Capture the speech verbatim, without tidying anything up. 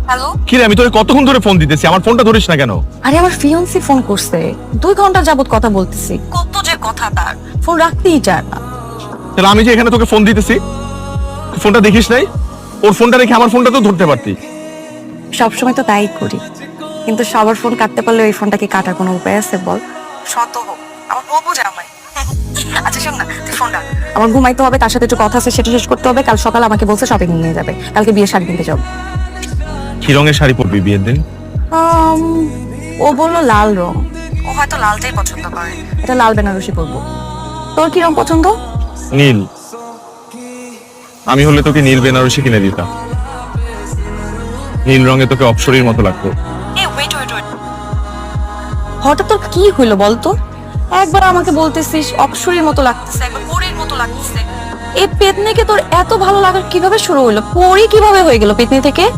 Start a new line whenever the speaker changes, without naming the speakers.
Hello,
কি রে, আমি তোকে কতক্ষণ ধরে ফোন দিতেছি, আমার ফোনটা ধরিস না কেন?
আরে আমার ফিয়ান্সি ফোন করছে, দুই ঘন্টা যাবত কথা বলতেছি, কত যে কথা তার, ফোন রাখতেই চায় না।
তাহলে আমি যে এখানে তোকে ফোন দিতেছি, ফোনটা দেখিস নাই? ওর ফোনটা রেখে আমার ফোনটা তো ধরতে পারতি।
সবসময় তো তাই করি, কিন্তু সবার ফোন কাটতে পারলে ওই ফোনটাকে কাটার কোনো উপায় আছে বল? শত হোক, আমার বউ বোঝা আমায়। আচ্ছা শোন না, তুই ফোন রাখ, আমার ঘুমাইতে হবে, তার সাথে একটু কথা আছে, সেটা শেষ করতে হবে। কাল সকালে আমাকে বলছে শপিং নিয়ে যাবে, কালকে বিয়ের শাড়ি কিনতে যাবো।
কি রঙের শাড়ি পরবি বিয়ের দিন?
আম, ও বললো লাল রং, ও হয়তো লালটাই পছন্দ করে, এটা লাল বেনারসি পরবো। তোর কি রং পছন্দ?
নীল। আমি হলে তোকে নীল বেনারসি কিনে দিতাম, নীল রঙে তোকে অপসরীর মতো লাগতো।
হঠাৎ তোর কি হইলো বলতো? একবার আমাকে বলতেছিস অপসরীর মতো লাগতেছে, একবার পরীর মতো লাগতেছে। এই পেতনিকে তোর এত ভালো লাগার কিভাবে শুরু হইলো? পরী কিভাবে হয়ে গেল পেতনি থেকে?